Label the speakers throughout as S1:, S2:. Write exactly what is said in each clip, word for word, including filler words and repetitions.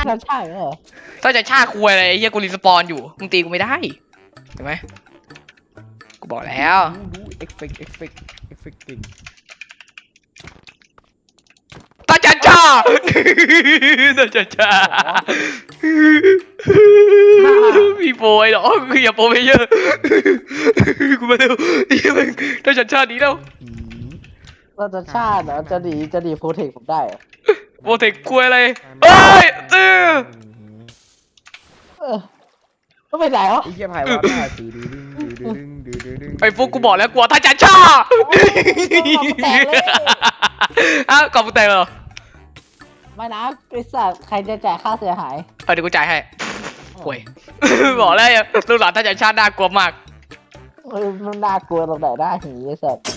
S1: ชันชาติเหรอ
S2: ถ้าจะชาคุยอะไรไอ้เหี้ยกูรีสปอนอยู่มึงตีกูไม่ได้เห็นไหมกูบอกแล้ว
S3: ดูเอฟเฟกต์เอฟเฟกต์เอฟเฟกต์จริง
S2: ตาจันชาตาจันชามีโปรยหรอคืออย่าโปรไปเยอะกูมาเร็วตาจันชาดีแล้ว
S1: ชันชาติเหรอจะดีจะดีโปรเทคผมได้
S2: โปรเทคคุยอะไรเอ้ยเออ
S1: เออก็ไม่ได้เหรอ
S3: ไอ้เหี้ยไผ่ว่าได้ดื้อดึงดื้อดึงดื้อดึงดื้อดึง
S2: ไอ้พวกกูบอกแล้วกลัวตาจันชาอ้าวกอบกูแตกเหรอ
S1: ไม่นะไอ้สัตว์ใครจะจ่ายค่าเสียหาย
S2: เออเดี๋ยวกูจ่ายให้ห่วยบอกแล้วลูกหลานตาจันชาน่ากลัวมาก
S1: เออมันน่ากลัวตรงไหนได้หีไอ้สัตว์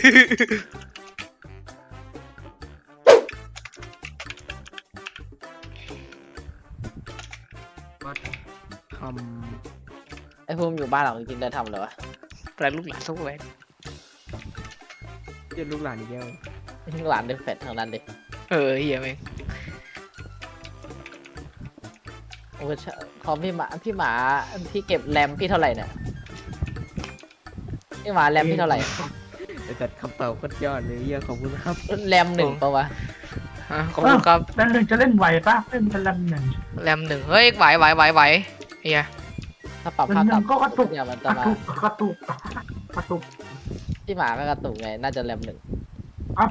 S3: ทำ
S1: ไอ้ภูมิอยู่บ้านหลังจริงๆได้ทำเลยวะ
S2: แปลงลูกหลานสู้ไว้
S3: เรียนลูกหลานอีกแล้ว
S1: หลานเดฟเฟตทางนั้นดิ
S2: เออเฮียเอง
S1: โอ้คอมพี่หมาพี่หมาพี่เก็บแรมพี่เท่าไหร่เนี่ยพี่หมาแรมพี่เท่าไหร่
S3: แต่จัดคำตอบก็ยอดเลยเยี่ยขอบคุณครับ
S1: แรมหนึ่งปะวะ
S2: ขอบคุณครับ
S4: แรมหนึ่งจะเล่นไหวปะเล่นเป็นแรมหนึ่ง
S2: แรมหนึ่งเฮ้ยไหวไหวไหวไหวเฮีย
S1: ถ้าปรับภาพต่ำ
S4: ก็กระตุก
S1: เนี่ยมัน
S4: ก
S1: จะ
S4: ระ
S1: มา
S4: ตุกกระตุกกระตุก
S1: พี่หมาไม่กระตุกไงน่าจะแรมหนึ่ง
S4: อัพ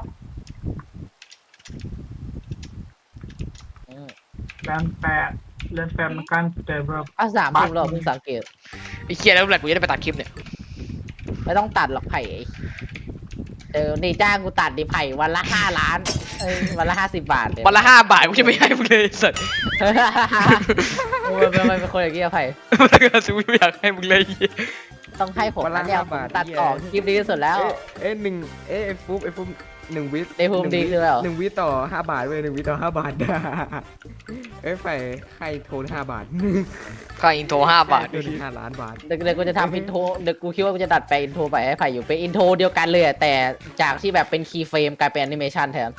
S4: แรมแปดแรมแปดมันการแต่แบบ
S1: อ่ะสามทุ่มแล้วเพิ่งสังเกต
S2: ไอ้เคียแล้วแหละกูจะได้ไปตัดคลิปเนี่ย
S1: ไม่ต้องตัดหรอกไผ่เออนี่จ้างกูตัดดิไผ่วันละห้าล้านเอ้ยวันละห้าสิบบาท
S2: วันละห้าบาทกูจะไม่ให้มึงเลยสัตว์
S1: โอ้ยมันเป็นคนอย่างเงี้ยไผ่
S2: ถ้าเกิดซื้อไม่อยากให้มึงเลย
S1: ต้องให้ผมนะเนี่ยตัดต่อคลิปดีที่สุดแล้ว
S3: เอ๊ะหนึ่งเอ๊ะฟุ๊บไอ้ฟุ๊บหนึ่งวิ
S1: ในภูมิดีคือแล้ว
S3: หนึ่งวิต่อห้าบาทเว้ยหนึ่งวิต่อห้าบาทเอ้ยไฟใครโทรห้าบาท
S2: ค่าอินโทรห้าบาท
S3: ห้าล้านบาท
S1: เดี๋ยวกูจะทำอินโทรเดี๋ยวกูคิดว่ากูจะดัดไปอินโทรไปให้ไผ่อยู่เป็นอินโทรเดียวกันเลยแต่จากที่แบบเป็นคีย์เฟรมกลายเป็นแอนิเมชันแทน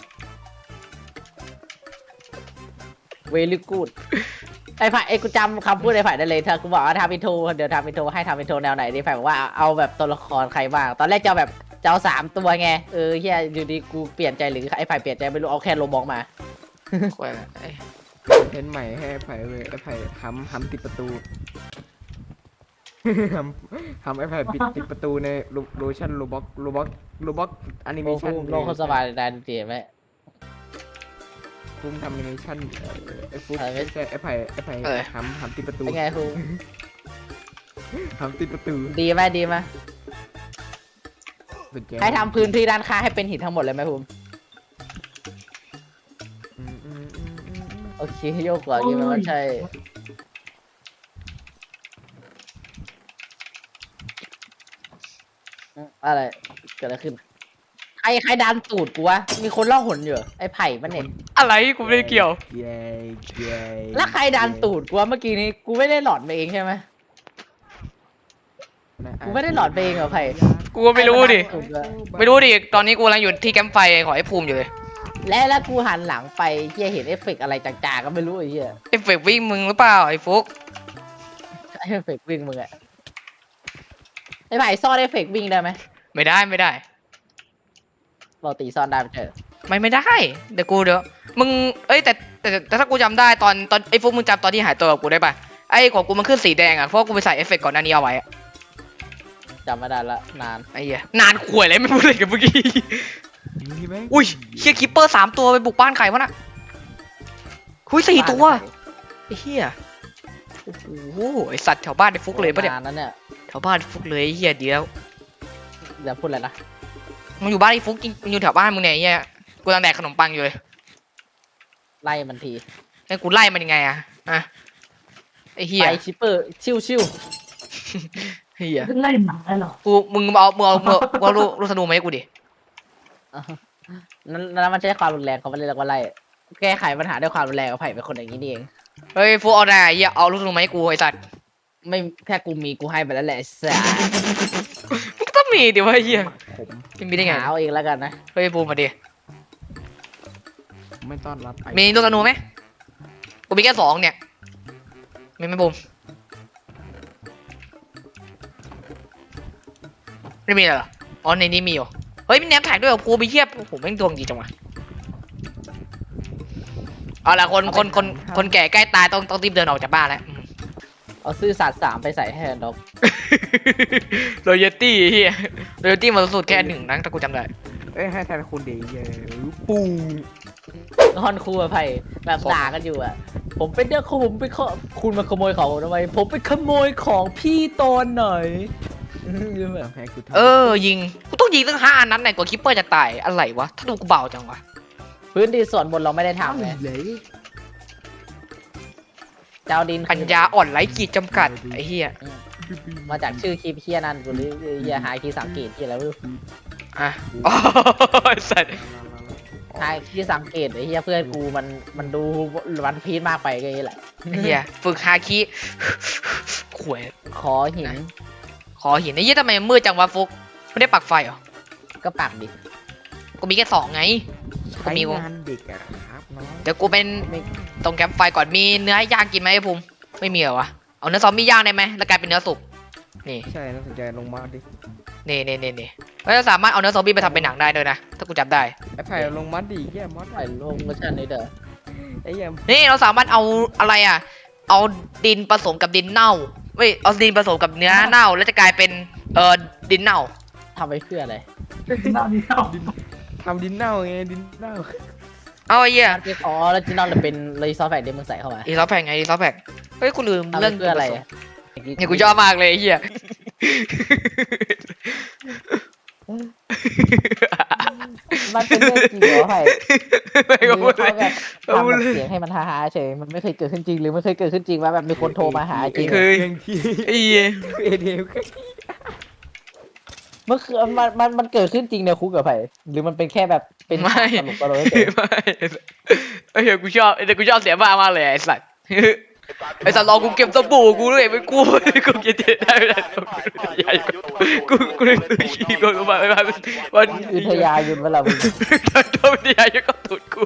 S1: เวลี่กูดไอ้ไผ่ไอ้กูจำคำพูดไอ้ไผ่ได้เลยเธอกูบอกว่าทำอินโทรเดี๋ยวทำอินโทรให้ทำอินโทรแนวไหนดิไผ่บอกว่าเอาแบบตัวละครใครบ้างตอนแรกจะแบบจะเอาสามตัวไงเออเฮียอยู่ดีกูเปลี่ยนใจหรือไอ้ไผ่เปลี่ยนใจไม่รู้เอาแค่โลบองมา
S2: ควาย
S3: เห็นใหม่ให้ไผ่เลยไอ้ไผ่ทำทำติดประตูทำทำไอ้ไผ่ปิดติดประตูในโลชั่นโลบ็อกโลบ็อกโลบ็อกแอนิเมชัน
S1: โลกเขาสบายได้จริงไหม
S3: ฟุ้งทำแอนิเมชันไอ้ฟุ้งไม่ใช่ไอ้ไผ่ไอ้ไผ่ทำทำติดประตู
S1: เป็นไงฟุ้ง
S3: ทำติดประตู
S1: ดีไหมดีไหมใครทำพื้นที่ด้านข้างให้เป็นหินทั้งหมดเลยไหมภูมิโอเคโยกก่อนยี่มันใช่อะไรเกิดอะไรขึ้นใครใครดันตูดกูวะมีคนล่องหนอยู่ไอ้ไผ่มันเนี่ย
S2: อะไรกูไม่ได้เกี่ยว
S1: แล้วใครดันตูดกูวะเมื่อกี้นี้กูไม่ได้หลอดมาเองใช่ไหมกูไม่ได้หลอดเองเหรอไผ่
S2: กูไม่รู้ดิไม่รู้ดิตอนนี้กูกำลังอยู่ที่แคมป์ไฟขอไอ้ภูมิอยู่เลย
S1: และแล้วกูหันหลังไปเฮียเห็นเอฟเฟกอะไรจางๆก็ไม่รู้ไอ้เฮีย
S2: เอฟเฟกวิ่งมึงหรือเปล่าไอ้ฟุก
S1: เอฟเฟกวิ่งมึงอะไอ้ไผ่ซ่อนเอฟเฟกวิ่งได้ไหม
S2: ไม่ได้ไม่ได้
S1: เราตีซ่อนได้ไม่ใช่
S2: ไม่ไม่ได้เดี๋ยวกูเดี๋ยวมึงเอ้ยแต่แต่แต่ถ้ากูจำได้ตอนตอนไอ้ฟุกมึงจำตอนที่หายตัวกับกูได้ป่ะไอ้ของกูมันขึ้นสีแดงอ่ะเพราะกูไปใส่เอฟเฟกก่อนหน้านี้เอาไว้
S1: จำไม่ได้ละนาน
S2: ไอ้เหี้ยนานขวยเลยไม่พูดเลยกับเมื่อกี้อุ้ยเฮียคิปเปอร์สามตัวไปบุกบ้านใครวะน่ะคุยสี่ตัวไอ้เหี้ยโอ้โหไอสัตว์แถวบ้านไอ้ฟุกเลยปะเนี่ย
S1: นั่นเนี่ย
S2: แถวบ้านฟุกเลยไอ้เหี้ยเดียว
S1: อย่าพูดอะไรนะ
S2: มึงอยู่บ้านไอ้ฟุกมึงอยู่แถวบ้านมึงเนี่ยไอ้เหี้ยกูกำลังแดกขนมปังอยู่เลย
S1: ไล่มันที
S2: ไอ้กูไล่มันยังไงอะอะไอ้เหี้ย
S1: ไปชิปเปอร์ชิวชิว
S2: เหี้ย
S4: ไล่หมาเหรอ
S2: กูมึงเอามึงเอามึงเอาลูกลูกธนูมาให้กูดิ
S1: นั่นนั่นมันใช่ความรุนแรงเขาไม่เรียกว่าไล่แก้ไขปัญหาด้วยความรุนแรงเอาไผ่เป็นคนอย่างนี้นี่เอง
S2: เฮ้ยฟุกเอาหน่าไอ้เหี้ยเอาลูกธนูมาให้กูไอ้สัตว์
S1: ไม่แค่กูมีกูให้ไปแล้วแหละสัส
S2: มึงต้องมีดิวะไอ้เหี้ยมึงมีได้ไง
S1: เอาเองแล้วกันนะ
S2: เฮ้ยปูมาดิ
S3: ไม่ต้อนรับ
S2: มีลูกธนูไหมกูมีแค่สองเนี่ยมีไหมบูมไม่มีเหรออ๋อในนี้มีอยู่เฮ้ยมีแนมแท็กด้วยเหรอภูมิเทียบโอ้โหแม่งดวงดีจังวะเอาละคนคนคนคนแก่ใกล้ตายต้องต้องรีบเดินออกจากบ้านแล้ว
S1: เอาซื่อสัตย์สามไปใส่ให้ดอก
S2: โรยตี้เฮียโรยตี้มาสุดแค่หนึ่งนะถ้ากูจำได้
S3: เอ้ยให้แทนคุณดีเยอะปู
S1: ฮอนครูอภัยแบบด่ากันอยู่อ่ะผมเป็นเด็กของผมไปขอคุณมาขโมยของผมทำไมผมไปขโมยของพี่ตอนไหนแบบ
S3: แพ้กูทำ
S2: เออยิงกูต้องยิงตั้งห้านัดไหนกว่าคิปเปอร์จะตายอะไรวะถ้าดูกูเบาจังวะ
S1: พื้นที่ส่วนบนเราไม่ได้ทำไง
S3: เลย
S1: เจ้าดิน
S2: ปัญญาอ่อนไร้ขีดจำกัดไอ้เฮีย
S1: มาจากชื่อคลิปเฮียนั่นกูเลยเฮียหายคีย์สังเกตที่อะไรไม่รู้
S2: อ่ะโอ้ยสัตว์
S1: หายคีย์สังเกตไอ้เฮียเพื่อนกูมันมันดูวันพีชมากไปก็นี่แหละ
S2: ไอ้เฮียฝึกฮาคิขวย
S1: ขอหิน
S2: ขอหินไอ้เฮียทำไมมืดจังวะฟุกไม่ได้ปักไฟเหรอ
S1: ก็ปักดิ
S2: กูมีแค่สองไง
S3: ใช้งานเด็กอะครับน้อง
S2: เดี๋ยวกูเป็นตรงแคมป์ไฟก่อนมีเนื้อย่างกินไหมไอ้ภูมิไม่มีเหรอวะเอาเนื้อซอมบี้ย่างได้ไหมแล้วกลายเป็นเนื้อสุกนี่
S3: ใช่น่าสนใจลงมาดิ
S2: นี่นี่นี่นี่แล้วสามารถเอาเนื้อซอมบี้ไปทำเป็นหนังได้ด้วยนะถ้ากูจำได้
S3: ไอ้ไผ่ลงมาดิแย่มอส
S1: ไอ้โลงก็ชันนี่เด้อ
S3: ไอ้เหี้ย
S2: นี่เราสามารถเอาอะไรอ่ะ เอาดินผสมกับดินเน่าไม่เอาดินผสมกับเนื้อเน่าแล้วจะกลายเป็นเอ่อดินเน่า
S1: ทำไปเพื่ออะไร
S4: หน้านี้เอา
S3: ทำดินเน่าไงดินเน่า
S2: เอาไอ้เหี้ย
S1: มันเป็นอ๋อแล้วจีนอนเลยเป็นเลยซอฟต์แวร์เดมึงใส่เข้ามา
S2: อีซอฟแพงไงอีซอฟแพงเฮ้ยกูลืม
S1: ทำไป
S2: เรื่อง
S1: เพื่ออะไร
S2: ดินผสม
S1: อะ
S2: เนี่ยกูชอบมากเลยไอ้เหี้ย
S1: มันเป็นเรื่องจริงเหรอไผ่
S2: ไม่ก็พูด
S1: เขา
S2: เลย
S1: แบบ
S2: เอา
S1: ทำ
S2: พูด
S1: แบบ
S2: เลย
S1: เสียงให้มันฮาๆเฉยมันไม่เคยเกิดขึ้นจริงหรือไม่เคยเกิดขึ้นจริงว่าแบบมีคนโทรมาหาจริง
S2: เคย
S3: เรื่องที่
S2: ไอ้เหี้ย
S3: เอเดล
S1: มันคือมันมันมันเกิดขึ้นจริงในคุกกับไผ่หรือมันเป็นแค่แบบเป็น
S2: ไม่
S1: ตลกตลกเฉย
S2: ไม่ไอ้เหี้ยกูชอบแต่กูชอบเสียบ้ามากเลยไอ้สัตว์ไอ้สัตว์รอกูเก็บสบู่กูด้วยไม่กูกูเก็บได้ไม่ได้กูกูเลยขี้กูกูมาไม่มาวัน
S1: อุทยายุนเวลามึง
S2: โดนยาเยอะก็ตุดกู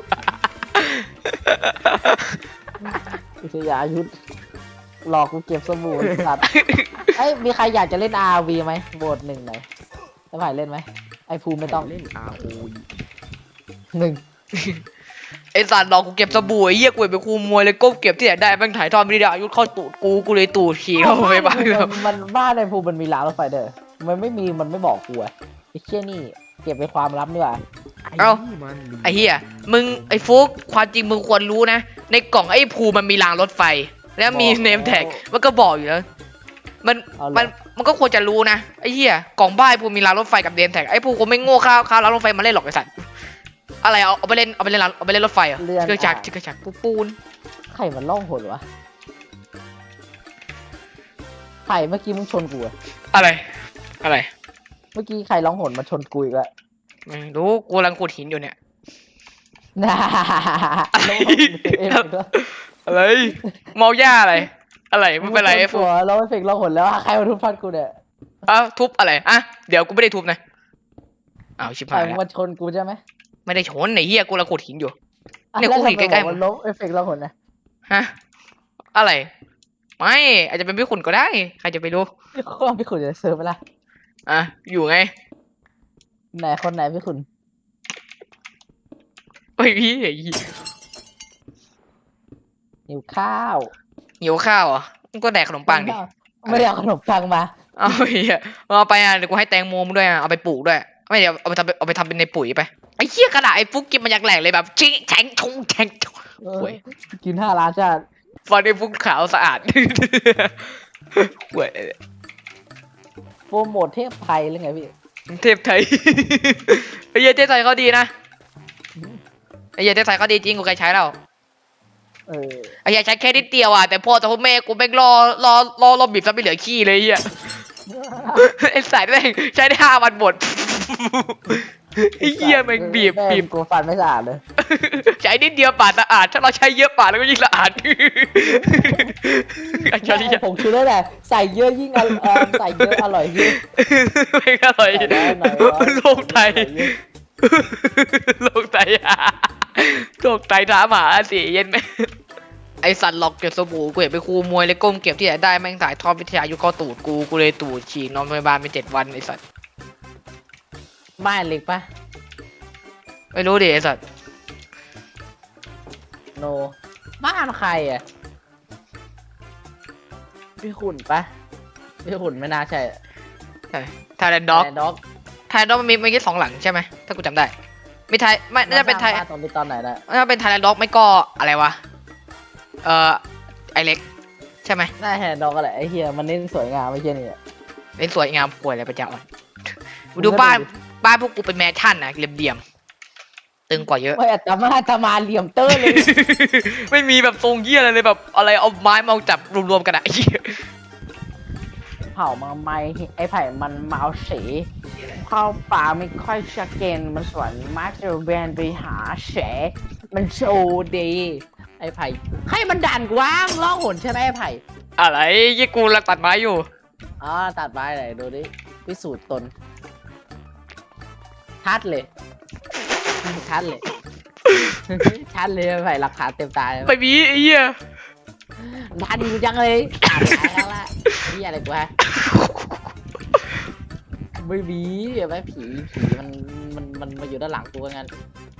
S1: อุทยายุนหลอกกูเก็บสบู่ไอ้สัตว์ไอ้ยมีใครอยากจะเล่น อาร์ วี ไหมโหวตหนึ่งหน่อยไอ้ไผ่เล่นไหมไอ้ภูมิไม่ต้อง
S3: เล่นอาโอ
S1: หนึ่ง
S2: ไอ้สัตว์รอกูเก็บสบู่ไอ้เหี้ยกูไปคูมวยเลยก้มเก็บที่ไหนได้แม่งถ่ายทอดไม่ได้อายุเข้าตูดกูกูเลยตูดขี่เข้าไปบ้างแล้ว
S1: มันบ้านในภูมิมันมีรางรถไฟเด้อมันไม่มีมันไม่บอกกูอะไอ้เชี่ยนี่เก็บเป็นความลับดีกว่า
S2: ไอ้เหี้ยมึงไอ้ฟุกความจริงมึงควรรู้นะในกล่องไอ้ภูมันมีรางรถไฟ แล้วมีเนมแท็กมันก็บอกอยู่แล้วมัน
S1: เอาเหรอ
S2: มันมันก็ควรจะรู้นะไอ้เหี้ยกล่องบ้านไอ้ภูมีรางรถไฟกับเนมแท็กไอ้ภูคงไม่โง่ข้าวข้าวรางรถไฟมาเล่นหรอกไอ้สัตว์อะไรเอาเอาไปเล่นเอาไปเล่นเอาไปเล่นรถไฟเหรอเครื่องจักรเครื่องจักรปูปูน
S1: ไข่มันล่องหนวะไข่เมื่อกี้มึงชนกูอะ
S2: อะไร อะไร
S1: เมื่อกี้ไข่ร้องหนมาชนกูอีกแล้ว
S2: ไม่รู้กูกำลังขุดหินอยู่เนี่ย
S1: น่า
S2: อะไร
S1: เอฟเฟกต์ด้วย
S2: อะไรเมาหญ้าอะไร อะไรไม่เป็นไรไอ้
S1: มึ
S2: ฟู
S1: งชนกูแล้วเอฟเฟกต์ร้องหนแล้วใครมาทุบพัดกูเนี่ย
S2: อ้าวทุบอะไรอ่ะเดี๋ยวกูไม่ได้ทุบนะอ้าวชิบ
S1: ไข่
S2: หาย
S1: มึง
S2: แล้ว
S1: มาชนกูใช่ไหม
S2: ไม่ได้ชนไอ้เหี้ยกูกำลังขุดหินอยู่
S1: อ่ะ
S2: เนี่ย
S1: แล้ว
S2: กูเห็น
S1: ทำไม
S2: ใกล้ๆ
S1: บอกมันลบเอฟเฟกต์ร้องหนนะ
S2: ฮะอะไร ไม่อาจจะเป็นพี่ขุนก็ได้ใครจะไปรู้
S1: ข้อพี่ขุนจะเซิร์ฟไปละ
S2: อ่ะอยู่ไง
S1: ไหนคนไหนพี่ขุน
S2: ไอ้ยพี่ไอ้เหี้ย
S1: หิวข้าว
S2: หิวข้าวเหรอ่ะมึงก็แดกขนมปังดิ
S1: ไม่ได้เอาขนมปังมา
S2: เอาไอ้เหี้ยเอาไปอ่ะเดี๋ยวกูให้แตงโมมึงด้วยอ่ะเอาไปปลูกด้วยไม่เดี๋ยวเอาไปทำเอาไปทำเป็นในปุ๋ยไปไอ้เหี้ยกระดาษไอ้ฟุกกินมันอยากแหลกเลยแบบชิงแฉงชงแฉงชง
S1: เออ
S2: โอ้ย
S1: กินห้าล้านชาติ
S2: ฟันไอ้ฟุกขาวสะอาดโว้ย
S1: โปรโมทเทพไทยหรือไงพี่
S2: เทพไทย ไอ้เหี้ยเทพไทยเขาดีนะไอ้เหี้ยเทพไทยเขาดีจริงกูเคยใช้แล้ว
S1: เออ
S2: ไอ้เหี้ยใช้แค่นิดเดียวอ่ะแต่พ่อแต่พ่อแม่กูแม่งรอรอรอรอบีบซะไม่เหลือขี้เลยไอ้เหี้ย ไอ้สายแม่งใช้ได้ห้าวันหมด ไอ้เหี้ยแม่งบีบ
S1: แม่ง
S2: บีบ
S1: กูฟันไม่สะอาดเลย
S2: ใช้นิดเดียวปาดสะอาดถ้าเราใช้เยอะปาดแล้วก็ยิ่งสะอาด ไอ้ชาลี
S1: ไม่ผมคือได้แหละใส่เยอะยิ่งอร่อยเอ่อใส่เยอะอร่อยยิ่ง
S2: ไม่อร่อย
S1: ใส่ได้หน่อยวะ
S2: โลกไตโลกไต โลกไตถามหาสิเย็นไหมไอสัตว์หลอกเก็บสบู่กูเห็นไปครูมวยเลยก้มเก็บที่ไหนได้แม่งสายทอดวิทยายุเข้าตูดกูกูเลยตูดฉีกนอนโรงพยาบาลไปเจ็ดวันไอสัตว์
S1: บ้านเล็กปะ
S2: ไม่รู้ดิไอสัตว์
S1: โนบ้านใครอ่ะพี่ขุนปะพี่ขุนไม่น่าใช่
S2: ใช่ไทยแลนด์ด็อก
S1: ด็อก
S2: ไทยแลนด์ด็อกมันมีมันมีสองหลังใช่ไหมถ้ากูจำได้ไม่ไทยไม่น่าจะเป็นไทย
S1: ตอนนี้ตอนไหนได้
S2: น่าจะเป็นไทยแลนด์ด็อกไม่ก็อะไรวะเอ่อไอเล็กใช่ไหม
S1: น่าแฮนด็อกอะไรไอ้เฮียมันเน้นสวยงามไม่ใช่นี่
S2: เป็นสวยงามป่วยอะไรประจำอ่ะมึงดูบ้านบ้านพวกกูเป็นแมนชั่นนะเหลี่ยมๆตึงกว่าเยอะ
S1: ไม่อัตมาอัตมาเหลี่ยมเตอร์เลย
S2: ไม่มีแบบทรงเยี่ยอะไรเลยแบบอะไรเอาไม้มาจับรวมๆกันอะไอ้เหี้ย
S1: เผามาไม่ไอ้ไผ่มันเมาสีเข้าป่าไม่ค่อยชัดเจนมันสวนมากจะแวนไปหาแฉมันโชว์ดีไอ้ไผ่ให้มันดันกว้างล่องหนใช่ไหมไอ้ไผ่
S2: อะไรยี่กูรักตัดไม้อยู่
S1: อ๋อตัดไม้ไหนดูดิพิสูจน์ตนชัดเลยชัดเลย ชัดเลยไอ้ไผ่หลักฐานเต็มตาเลย
S2: ไปมีไอ้เหี้ย
S1: ดันอยู่จังเลยตัดไม้แล้วละนี่อะไรกูฮะไม่มีไม่ผีผีมันมันมันมาอยู่ด้านหลังกูงั้น